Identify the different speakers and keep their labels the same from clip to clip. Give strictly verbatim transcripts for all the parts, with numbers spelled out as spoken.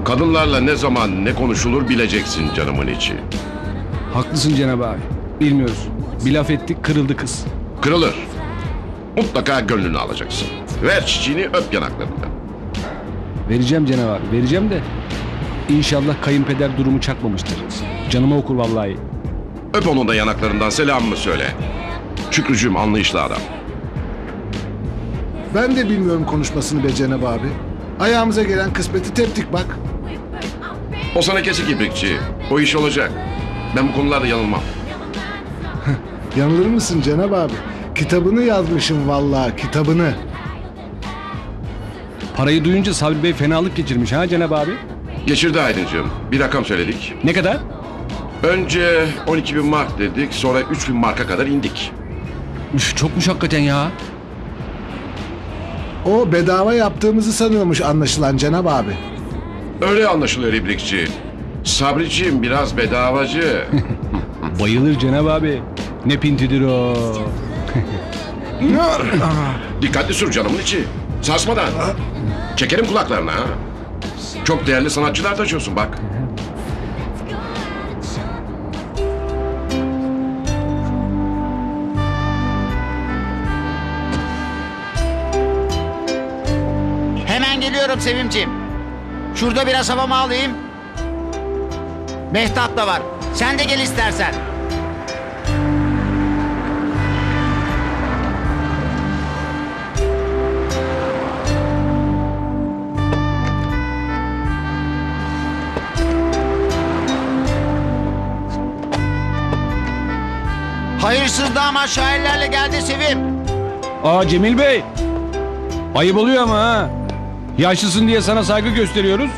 Speaker 1: Kadınlarla ne zaman ne konuşulur bileceksin canımın içi.
Speaker 2: Haklısın Cenab abi. Bilmiyoruz. Bir laf ettik kırıldı kız.
Speaker 1: Kırılır. Mutlaka gönlünü alacaksın. Ver çiçeğini, öp yanaklarından.
Speaker 2: Vereceğim Cenab abi vereceğim de. İnşallah kayınpeder durumu çakmamıştır. Canıma okur vallahi.
Speaker 1: Öp onun da yanaklarından, selamımı söyle. Şükrücüğüm anlayışlı adam.
Speaker 3: Ben de bilmiyorum konuşmasını be Cenab abi. Ayağımıza gelen kısmeti teptik bak.
Speaker 1: O sana kesik ibrikçi. O iş olacak. Ben bu konularda yanılmam.
Speaker 3: Yanılır mısın Cenab abi? Kitabını yazmışım vallahi, kitabını.
Speaker 2: Parayı duyunca Sabri Bey fenalık geçirmiş ha Cenab abi.
Speaker 1: Geçirdi Aydıncığım. Bir rakam söyledik.
Speaker 2: Ne kadar?
Speaker 1: Önce on iki bin mark dedik. Sonra üç bin marka kadar indik.
Speaker 2: Üf, çokmuş hakikaten ya.
Speaker 3: O bedava yaptığımızı sanıyormuş anlaşılan Cenab abi.
Speaker 1: Öyle anlaşılıyor ibrikçi. Sabriciğim biraz bedavacı.
Speaker 2: Bayılır Cenab abi. Ne pintidir o.
Speaker 1: Dikkatli sür canımın içi. Sarsmadan. Çekerim kulaklarına ha. Çok değerli sanatçılar taşıyorsun bak.
Speaker 4: Hemen geliyorum Sevimciğim. Şurada biraz havamı alayım. Mehtap da var. Sen de gel istersen. Hayırsız damat şairlerle geldi Sevim.
Speaker 2: Aa Cemil Bey. Ayıp oluyor ama ha. Yaşlısın diye sana saygı gösteriyoruz.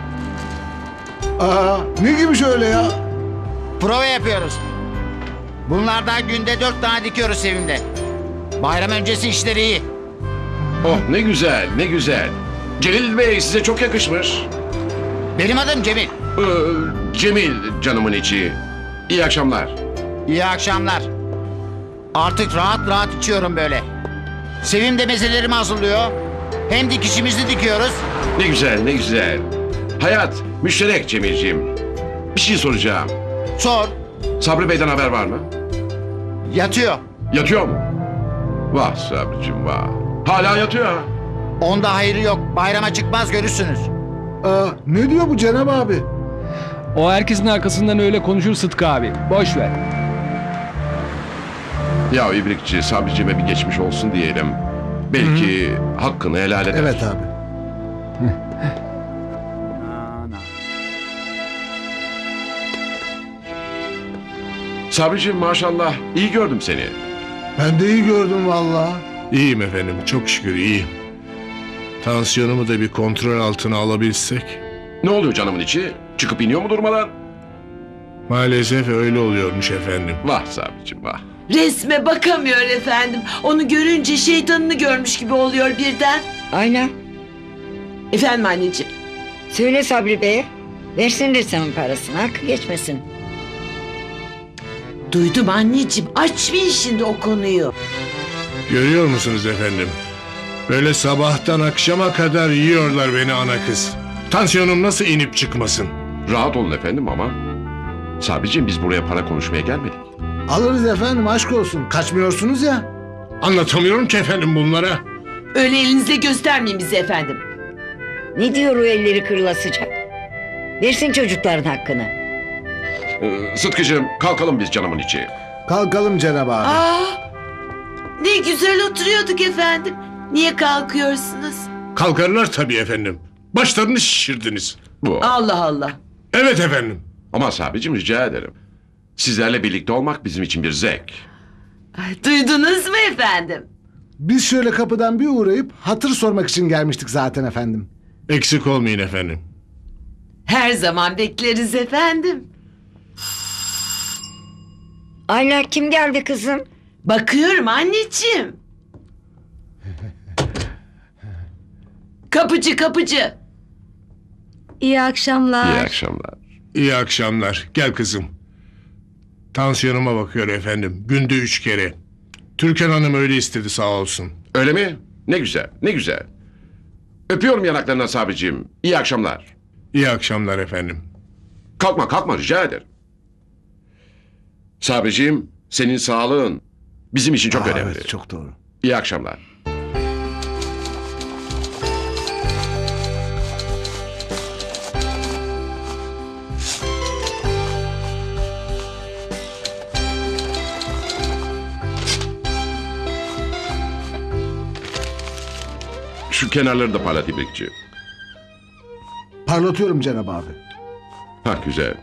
Speaker 3: Aa, ne gibi şöyle ya?
Speaker 4: Prova yapıyoruz. Bunlardan günde dört tane dikiyoruz Sevim'de. Bayram öncesi işleri iyi.
Speaker 1: Oh ne güzel ne güzel. Celil Bey size çok yakışmış.
Speaker 4: Benim adım Cemil.
Speaker 1: Ee, Cemil canımın içi. İyi akşamlar.
Speaker 4: İyi akşamlar. Artık rahat rahat içiyorum böyle. Sevim de mezelerimi hazırlıyor. Hem dikişimizi dikiyoruz.
Speaker 1: Ne güzel ne güzel. Hayat müşterek Cemilciğim. Bir şey soracağım.
Speaker 4: Sor.
Speaker 1: Sabri Bey'den haber var mı?
Speaker 4: Yatıyor.
Speaker 1: Yatıyor mu? Vah Sabricim vah. Hala yatıyor ha.
Speaker 4: Onda hayrı yok. Bayrama çıkmaz görürsünüz.
Speaker 3: Aa, ne diyor bu Cenab abi?
Speaker 2: O herkesin arkasından öyle konuşur Sıtkı abi. Boş ver.
Speaker 1: Ya İbrikçi Sabricime bir geçmiş olsun diyelim. Belki hakkını helal eder.
Speaker 3: Evet abi.
Speaker 1: Sabricim maşallah iyi gördüm seni.
Speaker 3: Ben de iyi gördüm vallahi.
Speaker 5: İyiyim efendim, çok şükür iyiyim. Tansiyonumu da bir kontrol altına alabilsek.
Speaker 1: Ne oluyor canımın içi? Çıkıp iniyor mu durmadan?
Speaker 5: Maalesef öyle oluyormuş efendim.
Speaker 1: Vah Sabricim vah.
Speaker 6: Resme bakamıyor efendim. Onu görünce şeytanını görmüş gibi oluyor birden.
Speaker 7: Aynen.
Speaker 6: Efendim anneciğim.
Speaker 7: Söyle Sabri Bey'e. Versin ressamın parasını. Hakkı geçmesin.
Speaker 6: Duydum anneciğim. Açmayın şimdi o konuyu.
Speaker 5: Görüyor musunuz efendim? Böyle sabahtan akşama kadar yiyorlar beni ana kız. Tansiyonum nasıl inip çıkmasın?
Speaker 1: Rahat olun efendim ama. Sabricim biz buraya para konuşmaya gelmedik.
Speaker 3: Alırız efendim, aşk olsun. Kaçmıyorsunuz ya.
Speaker 5: Anlatamıyorum ki efendim bunlara.
Speaker 6: Öyle elinizle göstermeyin bizi efendim.
Speaker 7: Ne diyor o elleri kırılasıca? Versin çocukların hakkını.
Speaker 1: Ee, Sıtkıcığım kalkalım biz canımın içi.
Speaker 3: Kalkalım Cenab abi.
Speaker 6: Aa, ne güzel oturuyorduk efendim. Niye kalkıyorsunuz?
Speaker 5: Kalkarlar tabii efendim. Başlarını şişirdiniz.
Speaker 1: Bu.
Speaker 6: Allah Allah.
Speaker 5: Evet efendim.
Speaker 1: Ama Sabricim rica ederim. Sizlerle birlikte olmak bizim için bir zevk.
Speaker 6: Ay, duydunuz mu efendim?
Speaker 3: Biz şöyle kapıdan bir uğrayıp hatır sormak için gelmiştik zaten efendim.
Speaker 5: Eksik olmayın efendim.
Speaker 6: Her zaman bekleriz efendim.
Speaker 7: Ayla kim geldi kızım?
Speaker 6: Bakıyorum anneciğim. Kapıcı kapıcı.
Speaker 8: İyi akşamlar.
Speaker 1: İyi akşamlar.
Speaker 5: İyi akşamlar. Gel kızım. Tansiyonuma bakıyor efendim. Günde üç kere. Türkan Hanım öyle istedi sağ olsun.
Speaker 1: Öyle mi? Ne güzel, ne güzel. Öpüyorum yanaklarından Sabricim. İyi akşamlar.
Speaker 5: İyi akşamlar efendim.
Speaker 1: Kalkma kalkma rica ederim. Sabriciğim senin sağlığın bizim için çok
Speaker 3: Aa,
Speaker 1: önemli.
Speaker 3: evet, çok doğru.
Speaker 1: İyi akşamlar. Şu kenarları da parlat İbrikçi.
Speaker 3: Parlatıyorum Cenab abi.
Speaker 1: Ha güzel.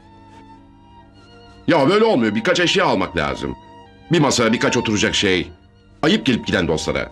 Speaker 1: Ya böyle olmuyor. Birkaç eşya almak lazım. Bir masa, birkaç oturacak şey. Ayıp gelip giden dostlara.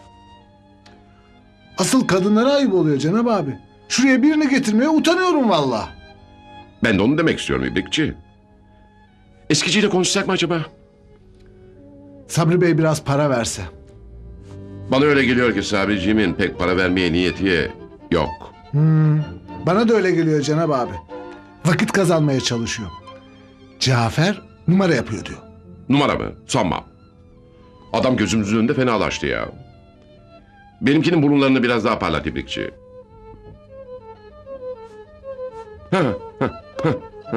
Speaker 3: Asıl kadınlara ayıp oluyor Cenab abi. Şuraya birini getirmeye utanıyorum valla.
Speaker 1: Ben de onu demek istiyorum İbrikçi. Eskiciyle konuşsak mı acaba?
Speaker 3: Sabri Bey biraz para verse.
Speaker 1: Bana öyle geliyor ki Sabriciğimin pek para vermeye niyeti yok.
Speaker 3: Bana da öyle geliyor Cenab abi. Vakit kazanmaya çalışıyor. Cafer numara yapıyor diyor.
Speaker 1: Numara mı? Sanmam. Adam gözümüzün önünde fenalaştı ya. Benimkinin burunlarını biraz daha parlat İbrikçi. Ha, ha, ha, ha.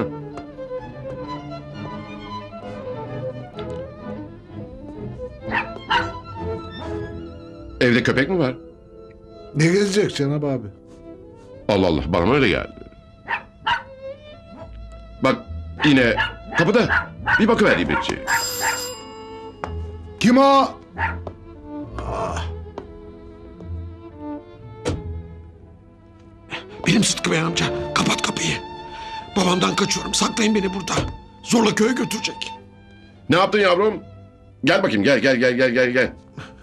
Speaker 1: Evde köpek mi var?
Speaker 3: Ne gezecek Cenab abi?
Speaker 1: Allah Allah bana öyle geldi. Bak yine kapıda. Bir bakıver İbrikçi.
Speaker 3: Kim o?
Speaker 9: Benim Sıtkı Bey amca. Kapat kapıyı. Babamdan kaçıyorum. Saklayın beni burada. Zorla köye götürecek.
Speaker 1: Ne yaptın yavrum? Gel bakayım gel gel gel gel gel gel.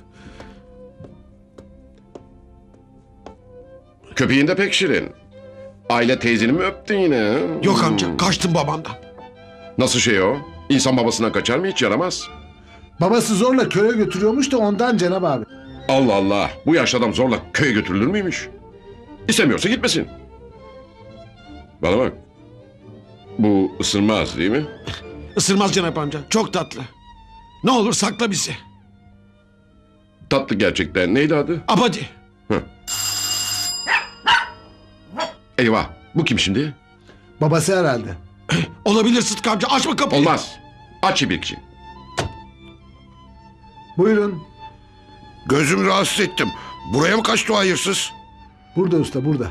Speaker 1: Köpeğin de pek şirin. Aile teyzeni mi öptün yine? ha?
Speaker 9: Yok amca. Kaçtım babamdan.
Speaker 1: Nasıl şey o? İnsan babasından kaçar mı hiç yaramaz.
Speaker 3: Babası zorla köye götürüyormuş da ondan Cenab abi.
Speaker 1: Allah Allah. Bu yaşlı adam zorla köye götürülür müymüş? İstemiyorsa gitmesin. Bana bak. Bu ısırmaz değil mi?
Speaker 9: Isırmaz Cenap amca. Çok tatlı. Ne olur sakla bizi.
Speaker 1: Tatlı gerçekten. Neydi adı?
Speaker 9: Abadi.
Speaker 1: Eyvah. Bu kim şimdi?
Speaker 3: Babası herhalde.
Speaker 9: Olabilir Sıtkı amca. Açma kapıyı.
Speaker 1: Olmaz. Aç İbrikçi.
Speaker 3: Buyurun.
Speaker 10: Gözümü rahatsız ettim. Buraya mı kaçtı o hayırsız?
Speaker 3: Burada usta burada.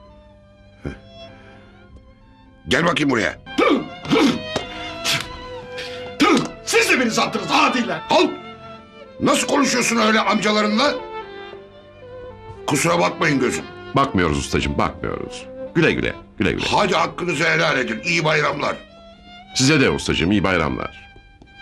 Speaker 10: Gel bakayım buraya.
Speaker 9: Tüh! Siz de beni sattınız adiler.
Speaker 10: Al! Nasıl konuşuyorsun öyle amcalarınla? Kusura bakmayın gözüm.
Speaker 1: Bakmıyoruz ustacığım bakmıyoruz. Güle güle. Güle güle.
Speaker 10: Hadi hakkınızı helal edin. İyi bayramlar.
Speaker 1: Size de ustacığım iyi bayramlar.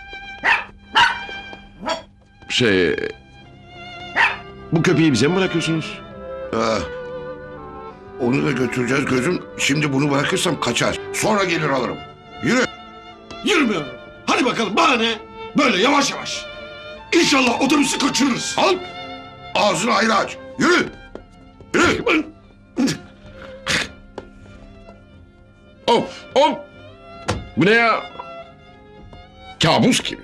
Speaker 1: Şey... Bu köpeği bize mi bırakıyorsunuz?
Speaker 10: Ah, onu da götüreceğiz gözüm. Şimdi bunu bırakırsam kaçar. Sonra gelir alırım. Yürü.
Speaker 9: Yürümüyorum. Hadi bakalım bana ne? Böyle yavaş yavaş. İnşallah otobüsü kaçırırız.
Speaker 10: Al. Ağzını ayrı aç. Yürü. Yürü.
Speaker 1: Of of! Bu ne ya? Kabus gibi.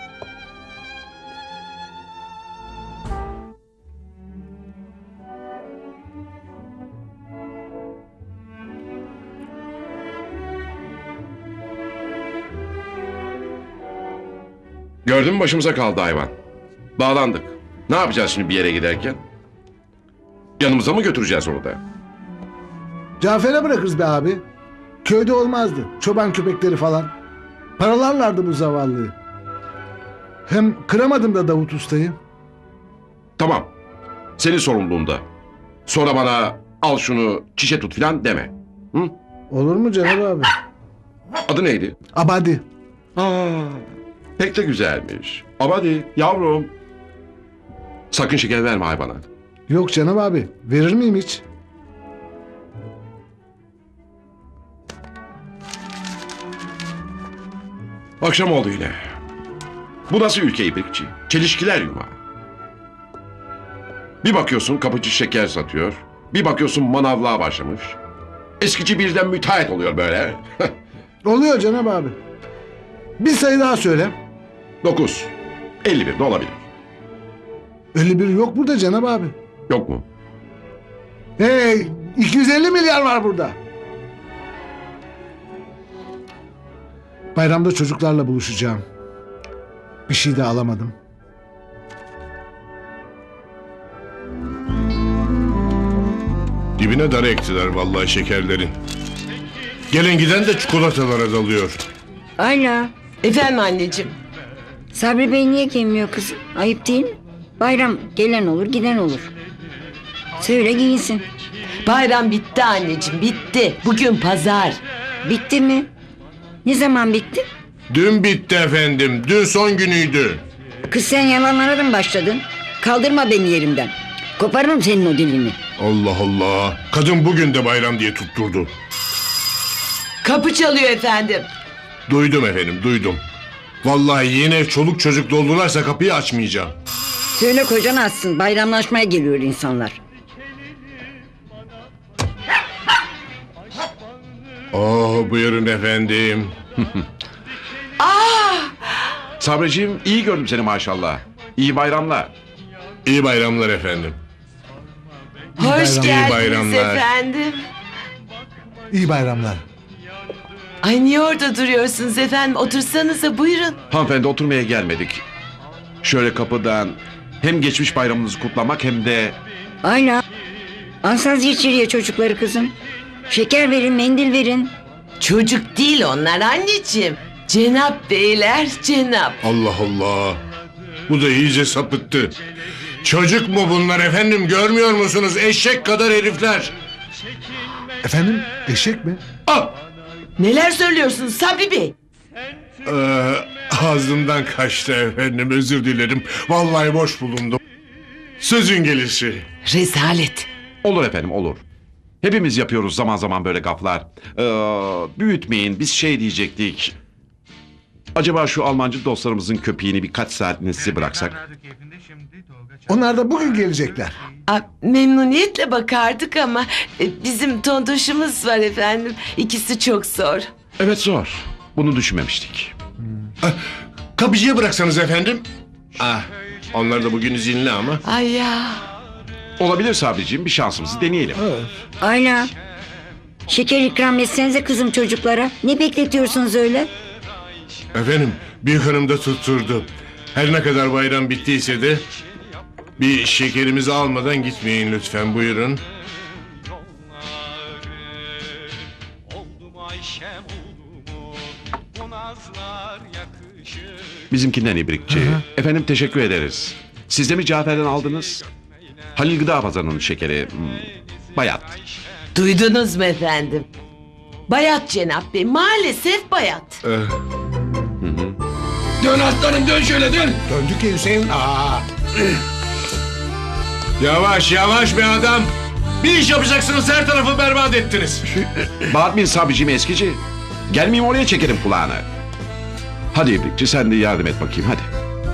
Speaker 1: Gördün mü başımıza kaldı hayvan. Bağlandık. Ne yapacağız şimdi bir yere giderken? Yanımıza mı götüreceğiz onu da?
Speaker 3: Cafer'e bırakırız be abi. Köyde olmazdı. Çoban köpekleri falan. Paralarlardı bu zavallıyı. Hem kıramadım da Davut Usta'yı.
Speaker 1: Tamam. Senin sorumluluğunda. Sonra bana al şunu çişe tut filan deme. Hı?
Speaker 3: Olur mu Cenab abi?
Speaker 1: Adı neydi?
Speaker 3: Abadi.
Speaker 1: Aa, pek de güzelmiş. Ama hadi yavrum. Sakın şeker verme hayvana.
Speaker 3: Yok Cenab abi. Verir miyim hiç?
Speaker 1: Akşam oldu yine. Bu nasıl ülke İbrikçi? Çelişkiler yumağı. Bir bakıyorsun kapıcı şeker satıyor. Bir bakıyorsun manavlığa başlamış. Eskici birden müteahhit oluyor böyle.
Speaker 3: Oluyor Cenab abi. Bir sayı daha söyle.
Speaker 1: Dokuz. elli bir de olabilir.
Speaker 3: elli bir yok burada Cenab abi.
Speaker 1: Yok mu?
Speaker 3: Hey, iki yüz elli milyar var burada. Bayramda çocuklarla buluşacağım. Bir şey de alamadım.
Speaker 5: Dibine dar ektiler vallahi şekerlerin. Gelen giden de çikolatalara dalıyor.
Speaker 7: Ayla.
Speaker 6: Efendim anneciğim.
Speaker 7: Sabri Bey niye gelmiyor kızım? Ayıp değil mi? Bayram gelen olur giden olur. Söyle giyinsin.
Speaker 6: Bayram bitti anneciğim, bitti. Bugün pazar.
Speaker 7: Bitti mi? Ne zaman bitti?
Speaker 5: Dün bitti efendim. Dün son günüydü.
Speaker 7: Kız sen yalanlara mı başladın? Kaldırma beni yerimden. Koparırım senin o dilini.
Speaker 5: Allah Allah. Kadın bugün de bayram diye tutturdu.
Speaker 6: Kapı çalıyor efendim.
Speaker 5: Duydum efendim, duydum. Vallahi yine çoluk çocuk doldularsa kapıyı açmayacağım.
Speaker 7: Söyle kocan açsın. Bayramlaşmaya geliyor insanlar.
Speaker 5: Oh buyurun efendim.
Speaker 1: Sabriciğim iyi gördüm seni maşallah. İyi bayramlar.
Speaker 5: İyi bayramlar efendim.
Speaker 6: Hoş
Speaker 3: bayramlar.
Speaker 6: geldiniz
Speaker 5: İyi bayramlar.
Speaker 6: efendim.
Speaker 3: İyi bayramlar.
Speaker 6: Ay niye orada duruyorsunuz efendim? Otursanıza buyurun.
Speaker 1: Hanımefendi oturmaya gelmedik. Şöyle kapıdan hem geçmiş bayramınızı kutlamak hem de...
Speaker 7: Ayla. Alsanız içeriye çocukları kızım. Şeker verin, mendil verin.
Speaker 6: Çocuk değil onlar anneciğim. Cenap beyler, cenap.
Speaker 5: Allah Allah. Bu da iyice sapıttı. Çocuk mu bunlar efendim, görmüyor musunuz? Eşek kadar herifler.
Speaker 3: Efendim eşek mi?
Speaker 5: Ah!
Speaker 6: Neler söylüyorsunuz Sabri Bey?
Speaker 5: Ee, ağzımdan kaçtı efendim, özür dilerim. Vallahi boş bulundum. Sözün gelişi.
Speaker 6: Rezalet.
Speaker 1: Olur efendim olur. Hepimiz yapıyoruz zaman zaman böyle gaflar. Ee, büyütmeyin biz şey diyecektik. Acaba şu Almancı dostlarımızın köpeğini birkaç saatini size bıraksak?
Speaker 3: Onlar da bugün gelecekler.
Speaker 6: Aa, memnuniyetle bakardık ama e, bizim tontoşumuz var efendim. İkisi çok zor.
Speaker 1: Evet zor. Bunu düşünmemiştik.
Speaker 5: Kapıcıya bıraksanız efendim. Ah, onlar da bugün izinli ama.
Speaker 6: Ay ya.
Speaker 1: Olabilir Sabriciğim bir şansımızı deneyelim.
Speaker 7: Ayla. Şeker ikram etsenize kızım çocuklara. Ne bekletiyorsunuz öyle?
Speaker 5: Efendim, büyük hanım da tutturdu. Her ne kadar bayram bittiyse de bir şekerimizi almadan gitmeyin lütfen, buyurun.
Speaker 1: Bizimkinden ibrikçi. Efendim teşekkür ederiz. Siz de mi Cafer'den aldınız? Halil Gıda Pazarı'nın şekeri. hmm, Bayat.
Speaker 6: Duydunuz mu efendim? Bayat Cenap Bey. Maalesef bayat.
Speaker 5: Eh,
Speaker 9: Dön aslanım dön şöyle dön.
Speaker 3: Döndük ya Hüseyin. Aa.
Speaker 5: yavaş yavaş be adam. Bir iş yapacaksınız, her tarafı berbat ettiniz.
Speaker 1: Bağırmayın Sabriciğim eskici. Gelmeyeyim oraya çekerim kulağını. Hadi ibrikçi sen de yardım et bakayım hadi.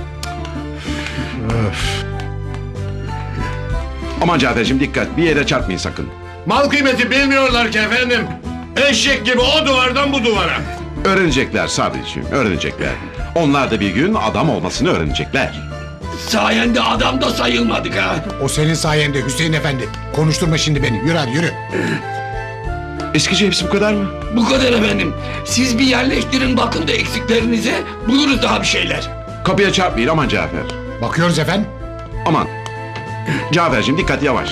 Speaker 1: Aman Cafer'cim dikkat bir yere çarpmayın sakın.
Speaker 5: Mal kıymeti bilmiyorlar ki efendim. Eşek gibi o duvardan bu duvara.
Speaker 1: Öğrenecekler Sabriciğim öğrenecekler. Onlar da bir gün adam olmasını öğrenecekler.
Speaker 9: Sayende adam da sayılmadık ha.
Speaker 11: O senin sayende Hüseyin Efendi. Konuşturma şimdi beni. Yürü hadi yürü.
Speaker 1: Eskici hepsi bu kadar mı?
Speaker 9: Bu kadar efendim. Siz bir yerleştirin bakın da eksiklerinize. Buluruz daha bir şeyler.
Speaker 1: Kapıya çarpmayın aman Cafer.
Speaker 11: Bakıyoruz efendim.
Speaker 1: Aman. Cafer'cim dikkat yavaş.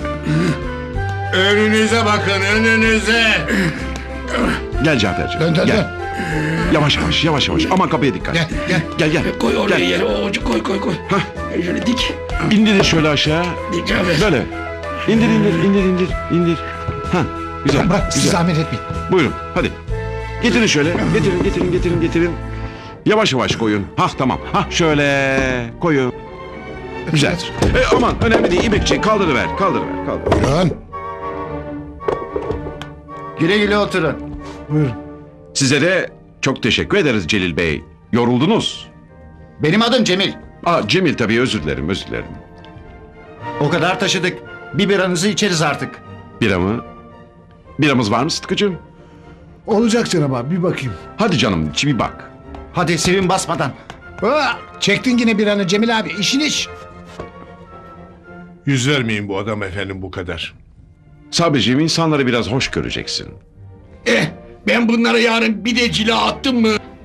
Speaker 5: Önünüze bakın, önünüze.
Speaker 1: Gel Cafer'cim.
Speaker 11: Dön dön
Speaker 1: gel.
Speaker 11: dön.
Speaker 1: Yavaş yavaş yavaş yavaş. Aman kapıya dikkat.
Speaker 11: Gel gel.
Speaker 1: Gel gel.
Speaker 9: Koy oraya
Speaker 1: Gel.
Speaker 9: yere o ucu koy koy koy.
Speaker 1: Hah.
Speaker 9: Şöyle dik.
Speaker 1: İndirin şöyle aşağı.
Speaker 9: Dik Cafer.
Speaker 1: Böyle. İndir indir indir indir indir. Ha güzel.
Speaker 11: Bırak siz
Speaker 1: güzel.
Speaker 11: zahmet etmeyin.
Speaker 1: Buyurun hadi. Getirin şöyle. Getirin getirin getirin getirin. Yavaş yavaş koyun. Hah tamam. Hah şöyle koyun. Güzel. E, aman önemli değil. İbrikçi kaldırıver. Kaldırıver. Kaldır.
Speaker 11: Buyurun.
Speaker 4: Güle güle oturun.
Speaker 3: Buyurun.
Speaker 1: Size de çok teşekkür ederiz Celil Bey. Yoruldunuz.
Speaker 4: Benim adım Cemil.
Speaker 1: Aa Cemil tabii özür dilerim özür dilerim.
Speaker 4: O kadar taşıdık. Bir biranızı içeriz artık.
Speaker 1: Bira mı? Biramız var mı Sıtkı'cığım?
Speaker 3: Olacak Cenab abi bir bakayım.
Speaker 1: Hadi canım içi bir bak.
Speaker 4: Hadi sevin basmadan.
Speaker 11: Aa, çektin yine bir anı Cemil abi. İşin iş.
Speaker 5: Yüz vermeyin bu adam efendim bu kadar.
Speaker 1: Sabriciğim insanları biraz hoş göreceksin.
Speaker 9: Eh ben bunlara yarın bir de cila attım mı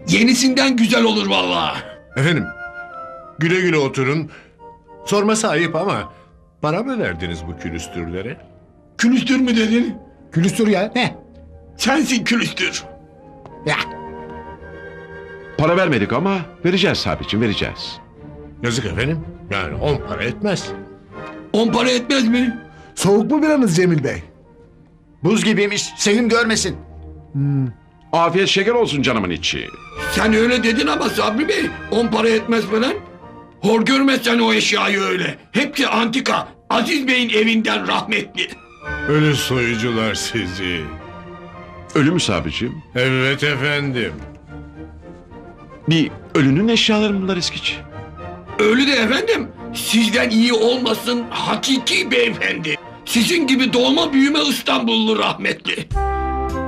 Speaker 9: Yenisinden güzel olur vallahi.
Speaker 5: Efendim, güle güle oturun. Sorması ayıp ama para mı verdiniz bu külüstürlere?
Speaker 9: Külüstür mü dedin?
Speaker 11: Külüstür ya. Ne?
Speaker 9: Sensin külüstür.
Speaker 11: Ya.
Speaker 1: Para vermedik ama vereceğiz Sabri'cim, vereceğiz.
Speaker 5: Yazık efendim. Yani on para etmez.
Speaker 9: On para etmez mi?
Speaker 3: Soğuk mu biranız Cemil Bey?
Speaker 4: Buz gibiymiş. Sevim görmesin.
Speaker 1: Afiyet şeker olsun canımın içi.
Speaker 9: Sen öyle dedin ama Sabri Bey on para etmez falan. Hor görmezsen o eşyayı öyle. Hepsi antika. Aziz Bey'in evinden rahmetli.
Speaker 5: Ölü soyucular sizi.
Speaker 1: Ölü mü Sabri'cim?
Speaker 5: Evet efendim.
Speaker 1: Bir ölünün eşyaları mı bunlar eskici?
Speaker 9: Öyle de efendim. Sizden iyi olmasın hakiki beyefendi. Sizin gibi dolma büyüme İstanbullu rahmetli.